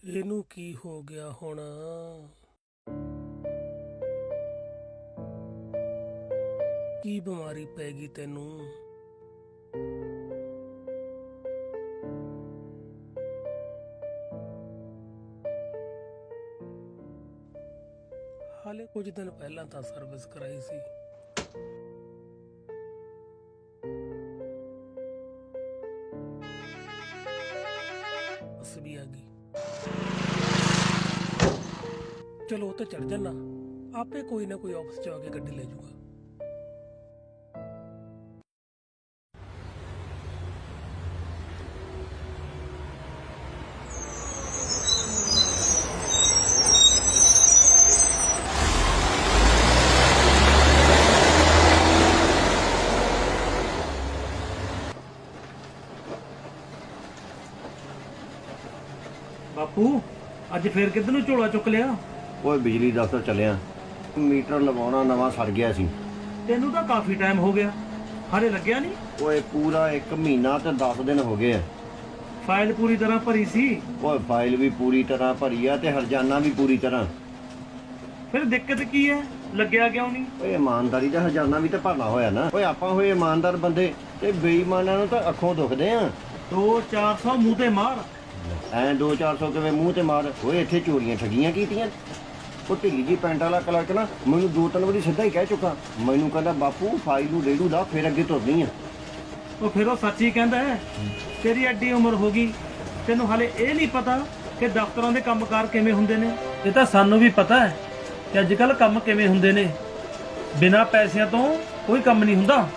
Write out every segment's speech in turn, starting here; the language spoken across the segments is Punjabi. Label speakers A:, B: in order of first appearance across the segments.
A: ਇਹਨੂੰ ਕੀ ਹੋ ਗਿਆ ਹੁਣ? ਕੀ ਬਿਮਾਰੀ ਪੈ ਗਈ ਤੈਨੂੰ? ਹਾਲੇ ਕੁਝ ਦਿਨ ਪਹਿਲਾਂ ਤਾਂ ਸਰਵਿਸ ਕਰਾਈ ਸੀ। ਬਸ ਵੀ ਆ ਗਈ। ਚਲੋ ਉੱਤੇ ਚੜ ਜਾਣਾ, ਆਪੇ ਕੋਈ ਨਾ ਕੋਈ ਆਫਿਸ ਚ ਆ ਕੇ ਗੱਡੀ ਲੈ ਜਾਊਗਾ।
B: ਬਾਪੂ ਅੱਜ ਫੇਰ ਕਿੱਧਰ ਨੂੰ ਝੋਲਾ ਚੁੱਕ ਲਿਆ?
C: ਓਏ ਬਿਜਲੀ ਦਫ਼ਤਰ ਚੱਲਿਆ, ਮੀਟਰ ਲਵਾਉਣਾ ਨਵਾਂ ਸੜ ਗਿਆ ਸੀ।
B: ਤੈਨੂੰ ਤਾਂ ਕਾਫੀ ਟਾਈਮ ਹੋ ਗਿਆ, ਹਾਲੇ ਲੱਗਿਆ ਨਹੀਂ?
C: ਓਏ ਪੂਰਾ 1 ਮਹੀਨਾ ਤੇ 10 ਦਿਨ ਹੋ ਗਏ ਆ।
B: ਫਾਈਲ ਪੂਰੀ ਤਰ੍ਹਾਂ ਭਰੀ ਸੀ?
C: ਓਏ ਫਾਈਲ ਵੀ ਪੂਰੀ ਤਰ੍ਹਾਂ ਭਰੀ ਆ ਤੇ ਹਰਜਾਨਾ ਵੀ ਪੂਰੀ ਤਰ੍ਹਾਂ।
B: ਫਿਰ ਦਿੱਕਤ ਕੀ ਹੈ, ਲੱਗਿਆ ਕਿਉਂ ਨਹੀਂ?
C: ਓਏ ਇਮਾਨਦਾਰੀ ਦਾ ਹਰਜਾਨਾ ਵੀ ਤਾਂ ਭਰਨਾ ਹੋਇਆ ਨਾ। ਓਏ ਆਪਾਂ ਹੋਏ ਇਮਾਨਦਾਰ ਬੰਦੇ ਤੇ ਬੇਈਮਾਨਾਂ ਨੂੰ ਤਾਂ ਅੱਖੋਂ ਦੁਖਦੇ ਆ।
B: 2-400 ਮੂੰਹ ਤੇ ਮਾਰ।
C: ਐ 2-400 ਕਿਵੇਂ ਮੂੰਹ ਤੇ ਮਾਰ? ਓਏ ਇੱਥੇ ਚੋਰੀਆਂ ਠੱਗੀਆਂ ਕੀਤੀਆਂ। ਉਹ ਢਿੱਲੀ ਜੀ ਪੈਂਟ ਵਾਲਾ ਕਲਰਕ ਨਾ ਮੈਨੂੰ 2-3 ਵਾਰੀ ਸਿੱਧਾ ਹੀ ਕਹਿ ਚੁੱਕਾ। ਮੈਨੂੰ ਕਹਿੰਦਾ ਬਾਪੂ ਫਾਈਲ ਨੂੰ ਰੇੜੂ ਲਾ ਫਿਰ ਅੱਗੇ ਤੁਰਨੀ ਆ।
B: ਉਹ ਫਿਰ ਉਹ ਸੱਚ ਹੀ ਕਹਿੰਦਾ ਹੈ। ਤੇਰੀ ਐਡੀ ਉਮਰ ਹੋ ਗਈ, ਤੈਨੂੰ ਹਾਲੇ ਇਹ ਨਹੀਂ ਪਤਾ ਕਿ ਦਫ਼ਤਰਾਂ ਦੇ ਕੰਮਕਾਰ ਕਿਵੇਂ ਹੁੰਦੇ ਨੇ? ਇਹ ਤਾਂ ਸਾਨੂੰ ਵੀ ਪਤਾ ਹੈ ਕਿ ਅੱਜ ਕੱਲ੍ਹ ਕੰਮ ਕਿਵੇਂ ਹੁੰਦੇ ਨੇ। ਬਿਨਾਂ ਪੈਸਿਆਂ ਤੋਂ ਕੋਈ ਕੰਮ ਨਹੀਂ ਹੁੰਦਾ।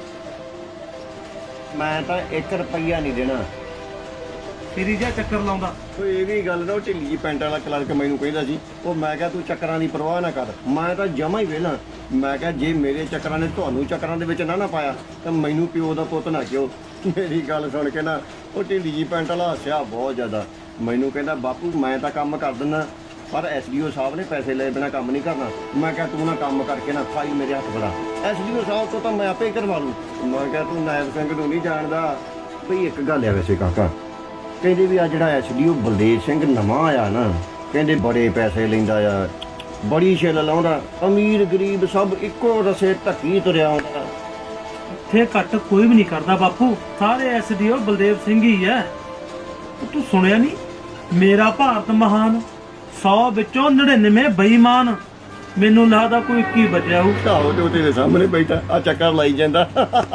C: ਮੈਂ ਤਾਂ 1 ਰੁਪਈਆ ਨਹੀਂ ਦੇਣਾ।
B: ਤੇਰੀ ਜਿਹਾ ਚੱਕਰ ਲਾਉਂਦਾ।
C: ਓਏ ਇਹ ਵੀ ਗੱਲ ਨਾ, ਉਹ ਢਿੱਲੀ ਜੀ ਪੈਂਟ ਵਾਲਾ ਕਲਰਕ ਮੈਨੂੰ ਕਹਿੰਦਾ ਸੀ। ਉਹ ਮੈਂ ਕਿਹਾ ਤੂੰ ਚੱਕਰਾਂ ਦੀ ਪਰਵਾਹ ਨਾ ਕਰ, ਮੈਂ ਤਾਂ ਜਮਾ ਹੀ ਵਿਹਲਾ। ਮੈਂ ਕਿਹਾ ਜੇ ਮੇਰੇ ਚੱਕਰਾਂ ਨੇ ਤੁਹਾਨੂੰ ਚੱਕਰਾਂ ਦੇ ਵਿੱਚ ਨਾ ਪਾਇਆ ਤਾਂ ਮੈਨੂੰ ਪਿਓ ਦਾ ਪੁੱਤ ਨਾ ਕਿਉਂ। ਮੇਰੀ ਗੱਲ ਸੁਣ ਕੇ ਨਾ ਉਹ ਢਿੱਲੀ ਜੀ ਪੈਂਟ ਵਾਲਾ ਹੱਸਿਆ ਬਹੁਤ ਜ਼ਿਆਦਾ। ਮੈਨੂੰ ਕਹਿੰਦਾ ਬਾਪੂ ਮੈਂ ਤਾਂ ਕੰਮ ਕਰ ਦਿੰਦਾ, ਪਰ ਐਸਡੀਓ ਸਾਹਿਬ ਨੇ ਪੈਸੇ ਲਏ ਬਿਨਾਂ ਕੰਮ ਨਹੀਂ ਕਰਨਾ। ਮੈਂ ਕਿਹਾ ਤੂੰ ਨਾ ਕੰਮ ਕਰਕੇ ਨਾ ਫਾਈਲ ਮੇਰੇ ਹੱਥ ਫੜਾ, ਐਸਡੀਓ ਸਾਹਿਬ ਤੋਂ ਤਾਂ ਮੈਂ ਆਪੇ ਹੀ ਕਰਵਾ ਲੂੰ। ਮੈਂ ਕਿਹਾ ਤੂੰ ਨਾਇਬ ਸਿੰਘ ਨੂੰ ਨਹੀਂ ਜਾਣਦਾ। ਭਈ ਇੱਕ ਗੱਲ ਹੈ ਵੈਸੇ ਕਾਕਾ, ਕਹਿੰਦੇ ਵੀ ਆ ਜਿਹੜਾ ਐਸਡੀਓ ਬਲਦੇਵ ਸਿੰਘ ਨਵਾਂ ਆਇਆ ਨਾ, ਕਹਿੰਦੇ ਬੜੇ ਪੈਸੇ ਲੈਂਦਾ ਆ, ਬੜੀ ਛਿੱਲ ਲਾਉਂਦਾ, ਅਮੀਰ ਗਰੀਬ ਸਭ ਇੱਕੋ ਰਸੇ ਧੱਕੀ ਤੁਰਿਆ ਆਉਂਦਾ।
B: ਇੱਥੇ ਘੱਟ ਕੋਈ ਵੀ ਨਹੀਂ ਕਰਦਾ ਬਾਪੂ, ਸਾਰੇ ਐਸਡੀਓ ਬਲਦੇਵ ਸਿੰਘ ਹੀ ਹੈ। ਤੂੰ ਸੁਣਿਆ ਨਹੀਂ, ਮੇਰਾ ਭਾਰਤ ਮਹਾਨ, 100 ਵਿੱਚੋਂ 99 ਬੇਈਮਾਨ। ਮੈਨੂੰ ਲੱਗਦਾ ਕੋਈ 21 ਬਚਿਆ ਹੋਊ।
C: ਆਹੋ ਤੇ ਉਹ ਤੇਰੇ ਸਾਹਮਣੇ ਬੈਠਾ ਆ ਚੱਕਰ ਲਾਈ ਜਾਂਦਾ।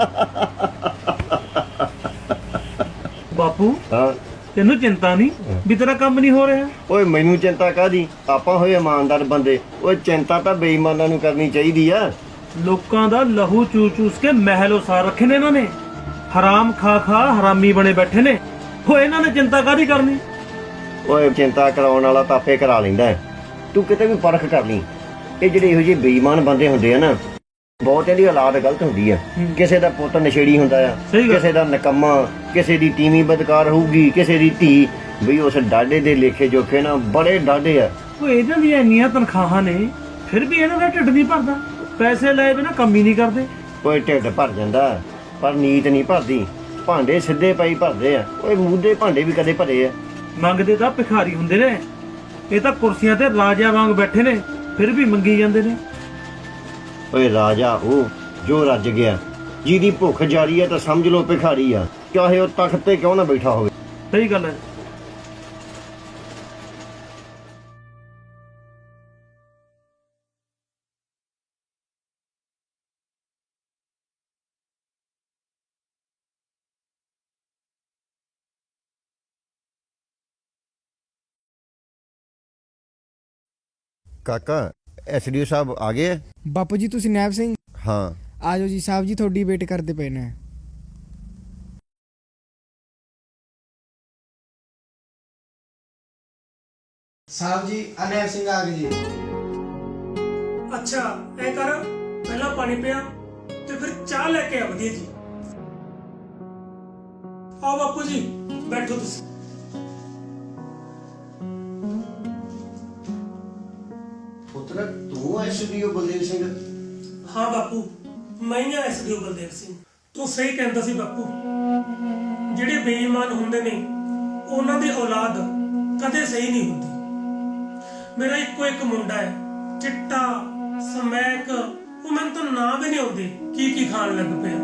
B: ਬਾਪੂ
C: ਹਾਂ
B: ਤੈਨੂੰ ਚਿੰਤਾ ਨਹੀਂ ਵੀ ਤੇਰਾ ਕੰਮ ਨਹੀਂ ਹੋ ਰਿਹਾ?
C: ਓਏ ਮੈਨੂੰ ਚਿੰਤਾ ਕਾਹਦੀ, ਆਪਾਂ ਹੋਏ ਇਮਾਨਦਾਰ ਬੰਦੇ। ਓਏ ਚਿੰਤਾ ਤਾਂ ਬੇਈਮਾਨਾਂ ਨੂੰ ਕਰਨੀ ਚਾਹੀਦੀ ਆ।
B: ਲੋਕਾਂ ਦਾ ਲਹੂ ਚੂਸ ਕੇ ਮਹਿਲ ਉਸਾਰ ਰੱਖੇ ਨੇ ਇਹਨਾਂ ਨੇ, ਹਰਾਮ ਖਾ ਹਰਾਮੀ ਬਣੇ ਬੈਠੇ ਨੇ। ਹੋ ਇਹਨਾਂ ਨੇ ਚਿੰਤਾ ਕਾਹਦੀ ਕਰਨੀ?
C: ਓਏ ਚਿੰਤਾ ਕਰਾਉਣ ਵਾਲਾ ਤਾਂ ਆਪੇ ਕਰਾ ਲੈਂਦਾ। ਤੂੰ ਕਿਤੇ ਵੀ ਪਰਖ ਕਰ ਲਈ, ਇਹ ਜਿਹੜੇ ਇਹੋ ਜਿਹੇ ਬੇਈਮਾਨ ਬੰਦੇ ਹੁੰਦੇ ਆ ਨਾ, ਬਹੁਤਿਆਂ ਦੀ ਔਲਾਦ ਗਲਤ ਹੁੰਦੀ ਆ। ਕਿਸੇ ਦਾ ਪੁੱਤ ਨਸ਼ੇੜੀ ਹੁੰਦਾ ਆ, ਕਿਸੇ ਦਾ ਨਕੰਮਾ, ਕਿਸੇ ਦੀ ਤੀਵੀਂ ਬਦਕਾਰ ਹੋਊਗੀ, ਕਿਸੇ ਦੀ ਧੀ। ਬਈ ਉਸ ਡਾਢੇ ਦੇ ਲੇਖੇ ਜੋਖੇ ਨਾ ਬੜੇ ਡਾਢੇ ਆ।
B: ਉਹ ਇਹਨਾਂ ਦੀਆਂ ਇੰਨੀਆਂ ਤਨਖਾਹਾਂ ਨੇ, ਫਿਰ ਵੀ ਇਹਨਾਂ ਦਾ ਢਿੱਡ ਨਹੀਂ ਭਰਦਾ। ਪੈਸੇ ਲਏ ਬਿਨਾਂ ਕੰਮ ਹੀ ਨਹੀਂ ਕਰਦੇ।
C: ਓਏ ਢਿੱਡ ਭਰ ਜਾਂਦਾ ਪਰ ਨੀਤ ਨਹੀਂ ਭਰਦੀ। ਭਾਂਡੇ ਸਿੱਧੇ ਪਾਈ ਭਰਦੇ ਆ। ਓਏ ਮੂੰਹ ਭਾਂਡੇ ਵੀ ਕਦੇ ਭਰੇ ਆ?
B: ਮੰਗਦੇ ਤਾਂ ਭਿਖਾਰੀ ਹੁੰਦੇ ਨੇ, ਇਹ ਤਾਂ ਕੁਰਸੀਆਂ ਤੇ ਰਾਜਿਆਂ ਵਾਂਗ ਬੈਠੇ ਨੇ, ਫਿਰ ਵੀ ਮੰਗੀ ਜਾਂਦੇ ਨੇ।
C: ਓਏ ਰਾਜਾ ਉਹ ਜੋ ਰੱਜ ਗਿਆ, ਜਿਹਦੀ ਭੁੱਖ ਜਾਰੀ ਹੈ ਤਾਂ ਸਮਝ ਲਓ ਭਿਖਾਰੀ ਆ, ਚਾਹੇ ਉਹ ਤਖਤ ਤੇ ਕਿਉਂ ਨਾ ਬੈਠਾ ਹੋਵੇ।
B: ਸਹੀ ਗੱਲ ਹੈ।
C: ਕਾਕਾ ਐਸਡੀਓ ਸਾਹਿਬ ਆ ਗਏ?
D: ਬਾਪੂ ਜੀ ਤੁਸੀਂ ਨੈਬ ਸਿੰਘ?
C: ਹਾਂ
D: ਆਜੋ ਜੀ ਸਾਹਿਬ ਜੀ, ਤੁਹਾਡੀ ਵੇਟ ਕਰਦੇ ਪਏ ਨੇ। ਸਾਹਿਬ ਜੀ ਨੈਬ ਸਿੰਘ ਆ ਗਏ ਜੀ।
A: ਅੱਛਾ ਐ ਕਰ, ਪਹਿਲਾਂ ਪਾਣੀ ਪਿਆ ਤੇ ਫਿਰ ਚਾਹ ਲੈ ਕੇ ਆ। ਵਧੀਆ ਜੀ। ਆਓ ਬਾਪੂ ਜੀ ਬੈਠੋ ਤੁਸੀਂ।
C: ਪੁੱਤਰ ਤੂੰ ਐਸਡੀਓ ਬਲਦੇਵ ਸਿੰਘ?
A: ਹਾਂ ਬਾਪੂ, ਮੈਂ ਹੀ ਐਸਡੀਓ ਬਲਦੇਵ ਸਿੰਘ। ਤੂੰ ਸਹੀ ਕਹਿੰਦਾ ਸੀ ਬਾਪੂ, ਜਿਹੜੇ ਬੇਈਮਾਨ ਹੁੰਦੇ ਨੇ ਉਹਨਾਂ ਦੀ ਔਲਾਦ ਕਦੇ ਸਹੀ ਨਹੀਂ ਹੁੰਦੀ। ਮੇਰਾ ਇੱਕੋ ਇੱਕ ਮੁੰਡਾ ਹੈ, ਚਿੱਟਾ ਸਮੈਕ, ਉਹ ਮੈਨੂੰ ਤਾਂ ਨਾਂ ਵੀ ਨਹੀਂ ਆਉਂਦੇ ਕੀ ਕੀ ਖਾਣ ਲੱਗ ਪਿਆ।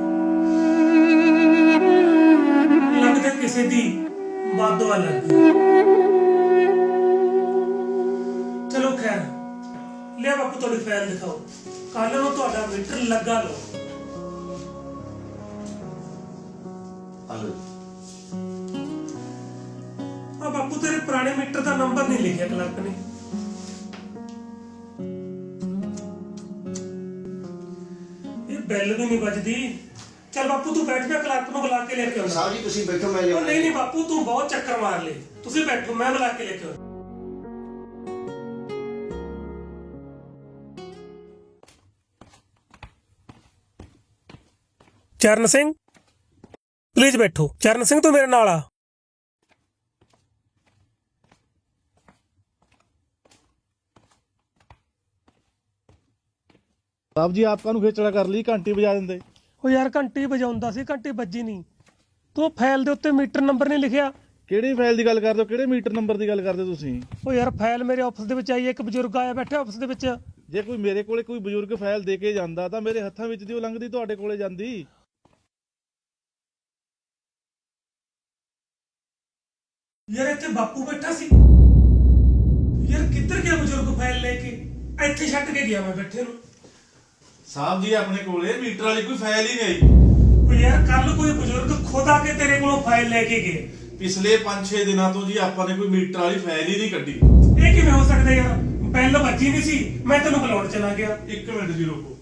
A: ਲੱਗਦਾ ਕਿਸੇ ਦੀ ਬਾਦਵਾ ਲੱਗ ਗਈ। ਚਲੋ ਖੈਰ, ਲਿਆ ਬਾਪੂ ਤੁਹਾਡੀ ਫਾਈਲ ਦਿਖਾਓ, ਕੱਲ ਨੂੰ ਤੁਹਾਡਾ ਮੀਟਰ ਲੱਗਾ ਲਓ। ਆ ਬਾਪੂ ਤੇਰੇ ਪੁਰਾਣੇ ਮੀਟਰ ਦਾ ਨੰਬਰ ਨਹੀਂ ਲਿਖਿਆ ਕਲਰਕ ਨੇ। ਇਹ ਬੈਲ ਵੀ ਨਹੀਂ ਵੱਜਦੀ। ਚੱਲ ਬਾਪੂ ਤੂੰ ਬੈਠ ਜਾ, ਕਲਰਕ ਨੂੰ ਬੁਲਾ ਕੇ ਲੈ ਕੇ ਆਉਣਾ।
C: ਸਾਹਿਬ ਜੀ ਤੁਸੀਂ ਬੈਠੋ, ਮੈਂ
A: ਉਹ
C: ਲਿਆਉਣਾ।
A: ਨਹੀਂ ਬਾਪੂ, ਤੂੰ ਬਹੁਤ ਚੱਕਰ ਮਾਰ ਲਏ, ਤੁਸੀਂ ਬੈਠੋ, ਮੈਂ ਬੁਲਾ ਕੇ ਲੈ ਕੇ ਆਉਣਾ। ਚਰਨ ਸਿੰਘ ਪਲੀਜ਼ ਬੈਠੋ। ਚਰਨ ਸਿੰਘ ਤੂੰ ਮੇਰੇ ਨਾਲ ਆ।
E: साहब जी आप कानू खेचड़ा कर ली घंटी बजा देंदे।
A: ਉਹ ਯਾਰ ਘੰਟੀ ਵਜਾਉਂਦਾ ਸੀ, ਘੰਟੀ ਵੱਜੀ ਨਹੀਂ। ਤੂੰ ਫਾਈਲ ਦੇ ਉੱਤੇ ਮੀਟਰ ਨੰਬਰ ਨਹੀਂ ਲਿਖਿਆ।
E: ਕਿਹੜੀ ਫਾਈਲ ਦੀ ਗੱਲ ਕਰਦੇ ਹੋ, ਕਿਹੜੇ ਮੀਟਰ ਨੰਬਰ ਦੀ ਗੱਲ ਕਰਦੇ ਹੋ ਤੁਸੀਂ?
A: ਉਹ ਯਾਰ ਫਾਈਲ ਮੇਰੇ ਆਫਿਸ ਦੇ ਵਿੱਚ ਆਈ ਹੈ, ਇੱਕ ਬਜ਼ੁਰਗ ਆਇਆ ਬੈਠਾ ਆਫਿਸ ਦੇ ਵਿੱਚ।
E: ਜੇ ਕੋਈ ਮੇਰੇ ਕੋਲੇ ਕੋਈ ਬਜ਼ੁਰਗ ਫਾਈਲ ਦੇ ਕੇ ਜਾਂਦਾ ਤਾਂ ਮੇਰੇ ਹੱਥਾਂ ਵਿੱਚ ਦੀ ਉਹ ਲੰਘਦੀ ਤੁਹਾਡੇ ਕੋਲੇ ਜਾਂਦੀ।
A: ਯਾਰ ਇੱਥੇ ਬਾਪੂ ਬੈਠਾ ਸੀ। ਯਾਰ ਕਿੱਧਰ ਗਿਆ ਬਜ਼ੁਰਗ ਫਾਈਲ ਲੈ ਕੇ? ਇੱਥੇ ਛੱਡ ਕੇ ਗਿਆ ਮੈਂ ਬੈਠੇ ਨੂੰ।
E: ਸਾਹਿਬ ਜੀ ਆਪਣੇ ਕੋਲੇ ਮੀਟਰ ਵਾਲੀ ਕੋਈ ਫਾਈਲ ਹੀ ਨਹੀਂ।
A: ਉਹ ਯਾਰ ਕੱਲ ਕੋਈ ਬਜ਼ੁਰਗ ਖੁਦ ਆ ਕੇ ਤੇਰੇ ਕੋਲੋਂ ਫਾਈਲ ਲੈ ਕੇ ਗਏ।
E: ਪਿਛਲੇ 5-6 ਦਿਨਾਂ ਤੋਂ ਜੀ ਆਪਾਂ ਨੇ ਕੋਈ ਮੀਟਰ ਵਾਲੀ ਫਾਈਲ ਹੀ ਨਹੀਂ ਕੱਢੀ।
A: ਇਹ ਕਿਵੇਂ ਹੋ ਸਕਦਾ ਯਾਰ? ਬੈਲ ਵੱਜੀ ਨਹੀਂ ਸੀ, ਮੈਂ ਤੈਨੂੰ ਬੁਲਾਉਣ ਚਲਾ ਗਿਆ।
E: 1 ਮਿੰਟ ਜੀ ਰੁਕੋ।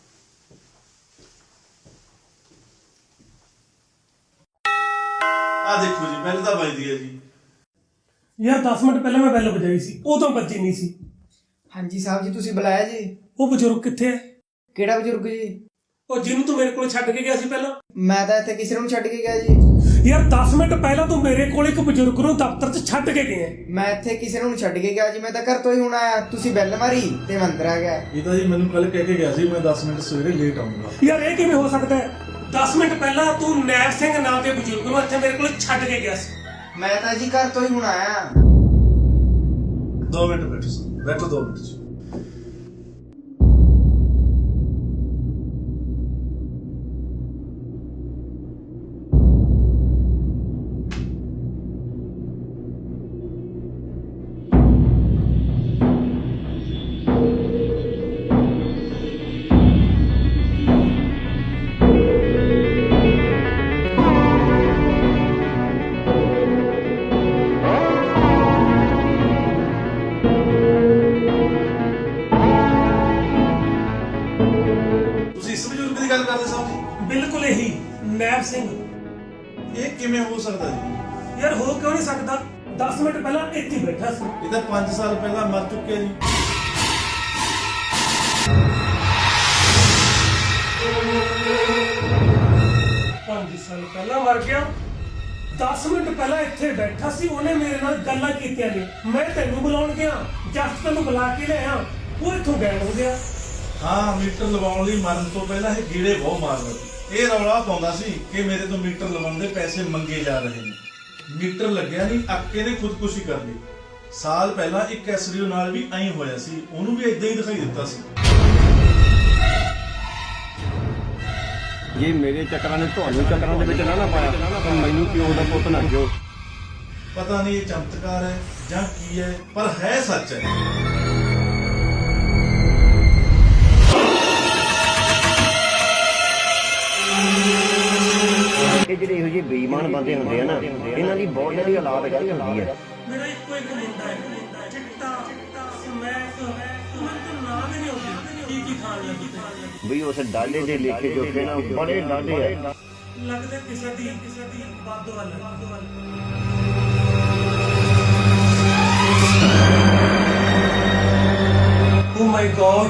E: ਆ ਦੇਖੋ ਜੀ ਬੈਲ ਤਾਂ ਵੱਜਦੀ ਹੈ ਜੀ।
A: ਯਾਰ 10 ਮਿੰਟ ਪਹਿਲਾਂ ਮੈਂ ਬੈਲ ਵਜਾਈ ਸੀ, ਉਦੋਂ ਵੱਜੀ ਨਹੀਂ ਸੀ।
D: ਹਾਂਜੀ ਸਾਹਿਬ ਜੀ, ਤੁਸੀਂ ਬੁਲਾਇਆ ਜੀ?
A: ਉਹ ਬਜ਼ੁਰਗ ਕਿੱਥੇ ਹੈ?
D: ਕਿਹੜਾ ਬਜ਼ੁਰਗ ਜੀ?
A: ਉਹ ਜਿਹਨੂੰ ਤੂੰ ਮੇਰੇ ਕੋਲ ਛੱਡ ਕੇ ਗਿਆ ਸੀ ਪਹਿਲਾਂ।
D: ਮੈਂ ਤਾਂ ਇੱਥੇ ਕਿਸੇ ਨੂੰ ਛੱਡ ਕੇ ਗਿਆ ਜੀ।
A: ਯਾਰ 10 ਮਿੰਟ ਪਹਿਲਾਂ ਤੂੰ ਮੇਰੇ ਕੋਲ ਇੱਕ ਬਜ਼ੁਰਗ ਨੂੰ ਦਫ਼ਤਰ 'ਚ ਛੱਡ ਕੇ ਗਿਆ।
D: ਮੈਂ ਇੱਥੇ ਕਿਸੇ ਨੂੰ ਛੱਡ ਕੇ ਗਿਆ ਜੀ, ਮੈਂ ਤਾਂ ਘਰ ਤੋਂ ਹੀ ਹੁਣ ਆਇਆ। ਤੁਸੀਂ ਬੈਲ ਮਾਰੀ ਤੇ ਮੈਂ ਅੰਦਰ ਆ ਗਿਆ।
E: ਇਹ ਤਾਂ ਜੀ ਮੈਨੂੰ ਕੱਲ ਕਹਿ ਕੇ ਗਿਆ ਸੀ ਮੈਂ 10 ਮਿੰਟ ਸਵੇਰੇ ਲੇਟ ਆਉਂਗਾ।
A: ਯਾਰ ਇਹ ਕਿਵੇਂ ਹੋ ਸਕਦਾ ਹੈ? 10 ਮਿੰਟ ਪਹਿਲਾਂ ਤੂੰ ਨੈਬ ਸਿੰਘ ਨਾਂ ਦੇ ਬਜ਼ੁਰਗ ਨੂੰ ਇੱਥੇ ਮੇਰੇ ਕੋਲ ਛੱਡ ਕੇ ਗਿਆ ਸੀ।
D: ਮੈਂ ਤਾਂ ਜੀ ਘਰ ਤੋਂ ਹੀ ਹੁਣ ਆਇਆ।
E: 2 ਮਿੰਟ ਬੈਠੋ 2 ਮਿੰਟ ਜੀ।
A: ਬਿਲਕੁਲ ਇਹੀ ਨੈਬ ਸਿੰਘ।
E: ਇਹ ਕਿਵੇਂ ਹੋ ਸਕਦਾ ਜੀ?
A: ਯਾਰ ਹੋ ਕਿਉਂ ਨਹੀਂ ਸਕਦਾ? 10 ਮਿੰਟ ਪਹਿਲਾਂ ਇੱਥੇ ਹੀ ਬੈਠਾ ਸੀ।
E: ਇਹ ਤਾਂ 5 ਸਾਲ ਪਹਿਲਾਂ ਮਰ ਚੁੱਕਿਆ ਜੀ।
A: ਪੰਜ ਸਾਲ ਪਹਿਲਾਂ ਮਰ ਗਿਆ। 10 ਮਿੰਟ ਪਹਿਲਾਂ ਇੱਥੇ ਬੈਠਾ ਸੀ, ਉਹਨੇ ਮੇਰੇ ਨਾਲ ਗੱਲਾਂ ਕੀਤੀਆਂ ਨੇ। ਮੈਂ ਤੈਨੂੰ ਬੁਲਾਉਣ ਗਿਆ, ਜਸਟ ਤੈਨੂੰ ਬੁਲਾ ਕੇ ਲਿਆ, ਉਹ ਇੱਥੋਂ ਗਾਇਬ ਹੋ ਗਿਆ।
E: ਹਾਂ ਮੀਟਰ ਲਵਾਉਣ ਲਈ ਮਰਨ ਤੋਂ ਪਹਿਲਾਂ ਇਹ ਗੀੜੇ ਬਹੁਤ ਮਾਰਦਾ ਸੀ। ਇਹ ਰੌਲਾ ਪਾਉਂਦਾ ਸੀ ਕਿ ਮੇਰੇ ਤੋਂ ਮੀਟਰ ਲਵਾਉਣ ਦੇ ਪੈਸੇ ਮੰਗੇ ਜਾ ਰਹੇ ਨੇ। ਮੀਟਰ ਲੱਗਿਆ ਨਹੀਂ, ਅੱਕੇ ਨੇ ਖੁਦਕੁਸ਼ੀ ਕਰ ਲਈ। ਸਾਲ ਪਹਿਲਾਂ ਇੱਕ ਐਸਡੀਓ ਨਾਲ ਵੀ ਐਂ ਹੋਇਆ ਸੀ, ਉਹਨੂੰ ਵੀ ਇਦਾਂ ਹੀ ਦਿਖਾਈ ਦਿੱਤਾ ਸੀ।
C: ਜੇ ਮੇਰੇ ਚੱਕਰਾਂ ਨੇ ਤੁਹਾਨੂੰ ਚੱਕਰਾਂ ਦੇ ਵਿੱਚ ਨਾ ਪਾਇਆ ਤਾਂ ਮੈਨੂੰ ਪਿਓ ਦਾ ਪੁੱਤ ਨਾ ਕਿਉਂ।
E: ਪਤਾ ਨਹੀਂ ਇਹ ਚਮਤਕਾਰ ਹੈ ਜਾਂ ਕੀ ਹੈ, ਪਰ ਹੈ ਸੱਚ ਹੈ।
C: ਇਹ ਜਿਹੜੇ ਇਹੋ ਜਿਹੇ ਬੇਈਮਾਨ ਬੰਦੇ ਹੁੰਦੇ ਆ ਨਾ, ਇਹਨਾਂ ਦੀ ਬਹੁਤ ਜਿਹੜੀ ਔਲਾਦ ਗਲਤ ਹੁੰਦੀ ਹੈ।
A: ਮੇਰਾ ਇੱਕੋ ਇੱਕ ਮੁੰਡਾ ਹੈ, ਚਿੱਟਾ ਸਮੈਕ, ਮੈਨੂੰ ਤਾਂ ਨਾਂ ਵੀ ਨਹੀਂ ਆਉਂਦੇ ਕੀ ਕੀ ਖਾਣ ਲੱਗ ਪਿਆ।
C: ਵੀ ਉਸ ਡਾਲੇ ਦੇ ਲੇਖੇ ਜੋਖੇ ਨਾ ਬੜੇ ਡਾਢੇ ਆ।
A: ਲੱਗਦਾ ਕਿਸੇ ਦੀ ਬਾਦਵਾ ਲੱਗ। ਓ ਮਾਈ ਗॉड,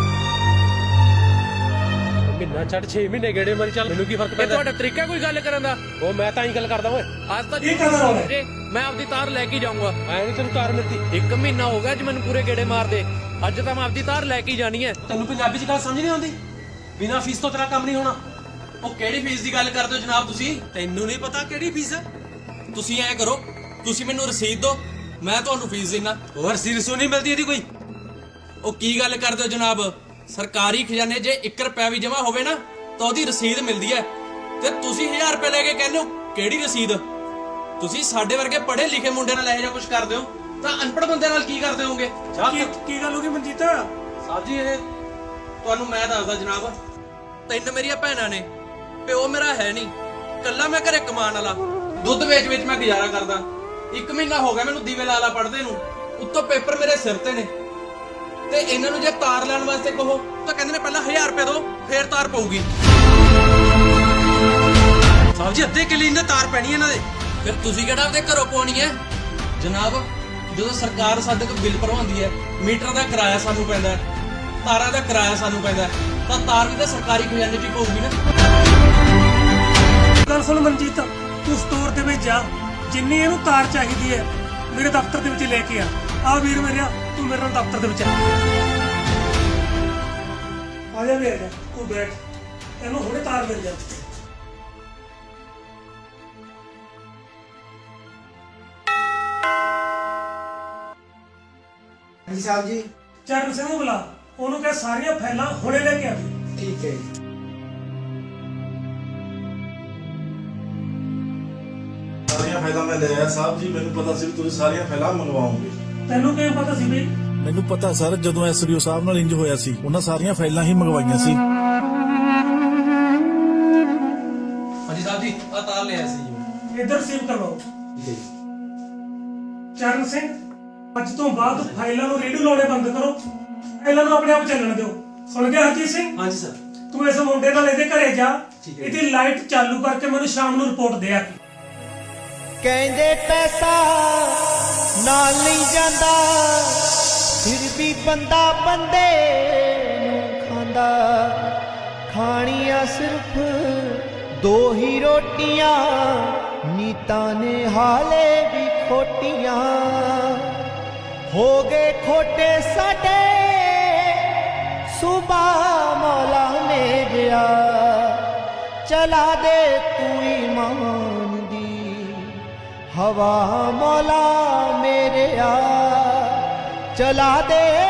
F: ਮਹੀਨਾ ਛੱਡ 6 ਮਹੀਨੇ ਗੇੜੇ ਮਾਰੀ ਚੱਲ, ਮੈਨੂੰ ਕੀ ਫਰਕ ਪੈਂਦਾ?
G: ਤੁਹਾਡਾ ਤਰੀਕਾ ਕੋਈ ਗੱਲ ਕਰਨ ਦਾ?
F: ਉਹ ਮੈਂ ਤਾਂ ਹੀ ਗੱਲ ਕਰਦਾ ਓਏ।
G: ਅੱਜ ਤੱਕ
A: ਇਹ ਕਦੋਂ ਹੋਇਆ?
G: ਜੇ ਮੈਂ ਆਪਦੀ ਤਾਰ ਲੈ ਕੇ ਜਾਊਂਗਾ।
F: ਐ ਨਹੀਂ ਤੈਨੂੰ ਤਾਰ ਮਿਲਦੀ।
G: 1 ਮਹੀਨਾ ਹੋ ਗਿਆ ਅੱਜ ਮੈਨੂੰ ਪੂਰੇ ਗੇੜੇ ਮਾਰਦੇ। ਅੱਜ ਤਾਂ ਮੈਂ ਆਪਦੀ ਤਾਰ ਲੈ ਕੇ ਜਾਣੀ ਹੈ।
F: ਤੈਨੂੰ ਪੰਜਾਬੀ ਚ ਗੱਲ ਸਮਝ ਨਹੀਂ ਆਉਂਦੀ? ਬਿਨਾਂ ਫੀਸ ਤੋਂ ਤੇਰਾ ਕੰਮ ਨਹੀਂ ਹੋਣਾ।
G: ਉਹ ਕਿਹੜੀ ਫੀਸ ਦੀ ਗੱਲ ਕਰਦੇ ਹੋ ਜਨਾਬ ਤੁਸੀਂ?
F: ਤੈਨੂੰ ਨਹੀਂ ਪਤਾ ਕਿਹੜੀ ਫੀਸ ਹੈ?
G: ਤੁਸੀਂ ਐ ਕਰੋ, ਤੁਸੀਂ ਮੈਨੂੰ ਰਸੀਦ ਦਿਓ, ਮੈਂ ਤੁਹਾਨੂੰ ਫੀਸ ਦੇਣਾ ਹੋਰ ਸਿਰਸੋਂ ਨਹੀਂ ਮਿਲਦੀ ਇਹਦੀ ਕੋਈ। ਉਹ ਕੀ ਗੱਲ ਕਰਦੇ ਹੋ ਜਨਾਬ, ਸਰਕਾਰੀ ਖਜ਼ਾਨੇ 'ਚ 1 ਰੁਪਿਆ ਵੀ ਜਮ੍ਹਾਂ ਹੋਵੇ ਨਾ ਤਾਂ ਉਹਦੀ ਰਸੀਦ ਮਿਲਦੀ ਹੈ, ਤੇ ਤੁਸੀਂ 1000 ਰੁਪਏ ਲੈ ਕੇ ਕਹਿੰਦੇ ਹੋ ਕਿਹੜੀ ਰਸੀਦ? ਤੁਸੀਂ ਸਾਡੇ ਵਰਗੇ ਪੜ੍ਹੇ ਲਿਖੇ ਮੁੰਡੇ ਨਾਲ ਇਹੋ ਜਿਹਾ ਕੁਝ ਕਰਦੇ ਹੋ ਤਾਂ ਅਨਪੜ੍ਹ ਬੰਦੇ ਨਾਲ ਕੀ ਕਰਦੇ ਹੋਵੋਗੇ?
A: ਕੀ ਗੱਲ ਹੋ ਗਈ ਮਨਜੀਤ?
G: ਸਾਹਿਬ ਜੀ ਇਹ ਤੁਹਾਨੂੰ ਮੈਂ ਦੱਸਦਾ ਜਨਾਬ, 3 ਮੇਰੀਆਂ ਭੈਣਾਂ ਨੇ, ਪਿਓ ਮੇਰਾ ਹੈ ਨਹੀਂ, ਕੱਲਾ ਮੈਂ ਘਰੇ ਕਮਾਉਣ ਵਾਲਾ, ਦੁੱਧ ਵੇਚ ਮੈਂ ਗੁਜ਼ਾਰਾ ਕਰਦਾ। 1 ਮਹੀਨਾ ਹੋ ਗਿਆ ਮੈਨੂੰ ਦੀਵੇ ਲਾਲਾ ਪੜਦੇ ਨੂੰ, ਉੱਤੋਂ ਪੇਪਰ ਮੇਰੇ ਸਿਰ ਤੇ ਨੇ, ਤੇ ਇਹਨਾਂ ਨੂੰ ਜੇ ਤਾਰ ਲੈਣ ਵਾਸਤੇ ਕਹੋ ਤਾਂ ਕਹਿੰਦੇ ਨੇ ਪਹਿਲਾਂ 1000 ਰੁਪਏ ਦਿਓ ਫੇਰ ਤਾਰ ਪਊਗੀ। ਸਾਹਿਬ ਜੀ ਅੱਧੇ ਕਿਲੇ ਇਹਨਾਂ ਤਾਰ ਪੈਣੀ ਇਹਨਾਂ ਦੇ, ਫਿਰ ਤੁਸੀਂ ਕਿਹੜਾ ਆਪਦੇ ਘਰੋਂ ਪਾਉਣੀ ਹੈ? ਜਨਾਬ ਜਦੋਂ ਸਰਕਾਰ ਸਾਡੇ ਤੋਂ ਬਿੱਲ ਭਰਵਾਉਂਦੀ ਹੈ, ਮੀਟਰ ਦਾ ਕਿਰਾਇਆ ਸਾਨੂੰ ਪੈਂਦਾ ਹੈ, ਤਾਰਾਂ ਦਾ ਕਿਰਾਇਆ ਸਾਨੂੰ ਪੈਂਦਾ ਹੈ, ਤਾਂ ਤਾਰ ਵੀ ਤਾਂ ਸਰਕਾਰੀ ਖਜ਼ਾਨੇ 'ਚ ਹੀ ਪਊਗੀ ਨਾ।
A: ਗੱਲ ਸੁਣ ਮਨਜੀਤ, ਤੂੰ ਸਟੋਰ ਦੇ ਵਿੱਚ ਜਾ, ਜਿੰਨੀ ਇਹਨੂੰ ਤਾਰ ਚਾਹੀਦੀ ਹੈ ਮੇਰੇ ਦਫ਼ਤਰ ਦੇ ਵਿੱਚ ਲੈ ਕੇ ਆ ਵੀਰ ਮੇਰਿਆ, ਤੂੰ ਮੇਰੇ ਨਾਲ ਦਫ਼ਤਰ ਦੇ ਵਿੱਚ ਆ ਜਾ ਵੀਰ, ਤੂੰ ਬੈਠ, ਇਹਨੂੰ ਹੁਣੇ ਤਾਰ ਮਿਲ ਜਾ।
D: ਹਾਂਜੀ ਸਾਹਿਬ ਜੀ।
A: ਚਰਨ ਸਿੰਘ ਨੂੰ ਬੁਲਾ, ਉਹਨੂੰ ਕਹਿ ਸਾਰੀਆਂ ਫਾਈਲਾਂ ਹੁਣੇ ਲੈ ਕੇ ਆ।
D: ਠੀਕ ਹੈ ਜੀ।
E: ਸਾਰੀਆਂ ਫਾਈਲਾਂ ਮੈਂ ਲੈ ਆਇਆ ਸਾਹਿਬ ਜੀ, ਮੈਨੂੰ ਪਤਾ ਸੀ ਵੀ ਤੁਸੀਂ ਸਾਰੀਆਂ ਫਾਈਲਾਂ ਮੰਗਵਾਓਗੇ।
A: ਤੈਨੂੰ ਕਿਵੇਂ ਪਤਾ ਸੀ ਬਈ?
H: ਮੈਨੂੰ ਪਤਾ ਸਰ, ਜਦੋਂ ਐਸਡੀਓ ਸਾਹਿਬ ਨਾਲ ਇੰਜ ਹੋਇਆ ਸੀ, ਉਹਨਾਂ ਸਾਰੀਆਂ ਫਾਈਲਾਂ ਹੀ ਮੰਗਵਾਈਆਂ ਸੀ।
G: ਹਾਂਜੀ ਸਾਹਿਬ ਜੀ ਆ ਤਾਰ ਲਿਆ ਸੀ ਜੀ।
A: ਇੱਧਰ ਸੇਵ ਕਰਵਾਓ।
G: ਠੀਕ ਹੈ ਜੀ।
A: ਚਰਨ ਸਿੰਘ, ਅੱਜ ਤੋਂ ਬਾਅਦ ਫਾਈਲਾਂ ਨੂੰ ਰੇਡੂ ਲਾਉਣੇ ਬੰਦ ਕਰੋ, ਫਾਈਲਾਂ ਨੂੰ ਆਪਣੇ ਆਪ ਚੱਲਣ ਦਿਓ। ਸੁਣ ਗਿਆ ਹਰਜੀਤ ਸਿੰਘ?
G: ਹਾਂਜੀ ਸਰ।
A: ਤੂੰ ਇਸ ਮੁੰਡੇ ਨਾਲ ਇਹਦੇ ਘਰੇ ਜਾ,
G: ਠੀਕ ਹੈ।
A: ਇਹਦੀ ਲਾਈਟ ਚਾਲੂ ਕਰਕੇ ਮੈਨੂੰ ਸ਼ਾਮ ਨੂੰ ਰਿਪੋਰਟ ਦੇ ਆ।
I: ਕਹਿੰਦੇ ਪੈਸਾ ਨਾਲ ਨਹੀਂ ਜਾਂਦਾ, ਫਿਰ ਵੀ ਬੰਦਾ ਬੰਦੇ ਨੂੰ ਖਾਂਦਾ। ਖਾਣੀਆਂ ਸਿਰਫ 2 ਹੀ ਰੋਟੀਆਂ, ਨੀਤਾਂ ਨੇ ਹਾਲੇ ਵੀ ਖੋਟੀਆਂ। ਹੋ ਗਏ ਖੋਟੇ ਸਾਡੇ ਸੁਬਾ ਮੌਲਾ ਮੇਰਿਆ, ਚਲਾ ਦੇ ਤੂੰ ਈਮਾਨ ਦੀ ਹਵਾ ਮੌਲਾ ਮੇਰਿਆ, ਚਲਾ ਦੇ